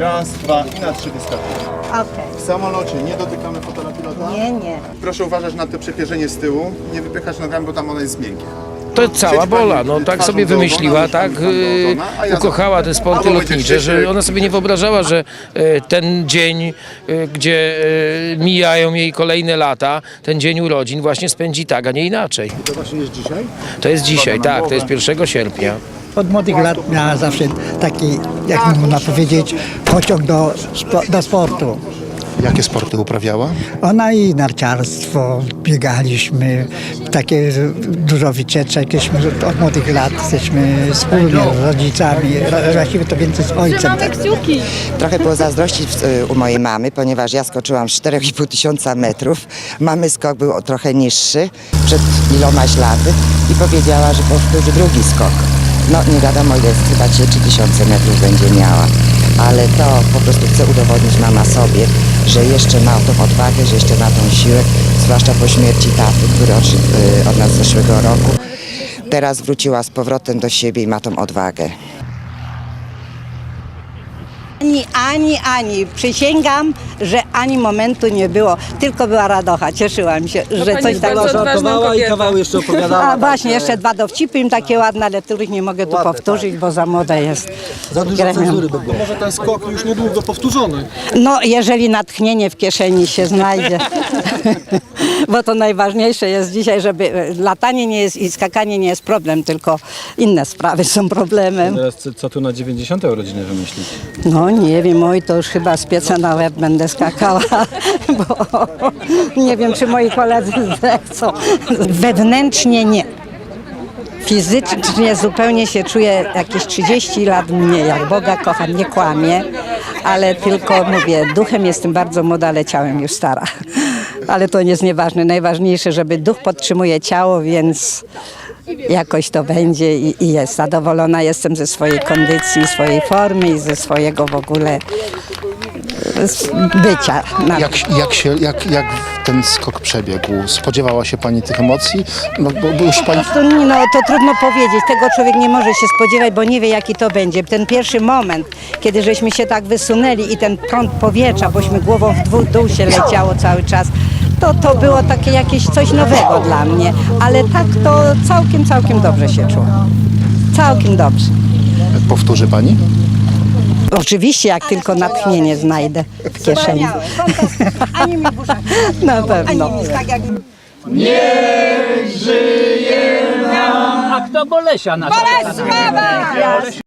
Raz, dwa i na trzy wyskakujemy. Okej. W samolocie nie dotykamy fotela pilota. Nie. Proszę uważać na to przepierzenie z tyłu. Nie wypychać nogami, bo tam ona jest miękkie. To cała Siedź Bola, pani no tak twarzą sobie do ogona, wymyśliła, nóżkami tak, tam do ogona, a ja ukochała te sporty albo będzie lotnicze, że krzyczyk. ona sobie nie wyobrażała, że ten dzień, gdzie mijają jej kolejne lata, ten dzień urodzin właśnie spędzi tak, a nie inaczej. To właśnie jest dzisiaj? To jest dzisiaj, tak, to jest 1 sierpnia. Od młodych lat miała zawsze taki, jak można powiedzieć, pociąg do sportu. Jakie sporty uprawiała? Ona i narciarstwo, biegaliśmy, takie dużo wycieczek, jesteśmy od młodych lat, jesteśmy wspólnie z rodzicami, właściwie to więcej z ojcem. Tak. Trochę było zazdrości u mojej mamy, ponieważ ja skoczyłam 4,5 tysiąca metrów. Mamy skok był trochę niższy, przed ilomaś laty i powiedziała, że powtórzy drugi skok. No nie wiadomo ile, chyba 3000 metrów będzie miała. Ale to po prostu chce udowodnić mama sobie, że jeszcze ma tą odwagę, że jeszcze ma tą siłę, zwłaszcza po śmierci taty, który odszedł od nas zeszłego roku. Teraz wróciła z powrotem do siebie i ma tą odwagę. Ani. Przysięgam, że ani momentu nie było. Tylko była radocha. Cieszyłam się, że pani coś jest bardzo takiego. odważna i kawały jeszcze opowiadała. A właśnie, jeszcze dwa dowcipy im takie ładne, ale których nie mogę tu powtórzyć, bo za młoda jest. Za dużo Gremium. cenzury by było. Może ten skok już niedługo powtórzony. No, jeżeli natchnienie w kieszeni się znajdzie. Bo to najważniejsze jest dzisiaj, żeby latanie nie jest i skakanie nie jest problem, tylko inne sprawy są problemem. Teraz co tu na 90. urodziny wymyślić? No nie wiem, oj, to już chyba z pieca na łeb będę skakała, bo nie wiem, czy moi koledzy zechcą. Wewnętrznie nie. Fizycznie zupełnie się czuję jakieś 30 lat mniej, jak Boga kocham, nie kłamię, ale tylko mówię, duchem jestem bardzo młoda, ale ciałem już stara. Ale to nie jest nieważne, najważniejsze, żeby duch podtrzymuje ciało, więc jakoś to będzie i jest. Zadowolona jestem ze swojej kondycji, swojej formy i ze swojego w ogóle bycia. Jak ten skok przebiegł? Spodziewała się pani tych emocji? No, bo już pani... To trudno powiedzieć. Tego człowiek nie może się spodziewać, bo nie wie, jaki to będzie. Ten pierwszy moment, kiedy żeśmy się tak wysunęli i ten prąd powietrza, bośmy głową w dół się leciało cały czas, to było takie jakieś coś nowego dla mnie. Ale tak to całkiem dobrze się czuło. Całkiem dobrze. Powtórzy pani? Oczywiście, jak tylko natchnienie znajdę w kieszeni. Ani mi burza. Na pewno. A kto Bolesia nasza? Bolesława!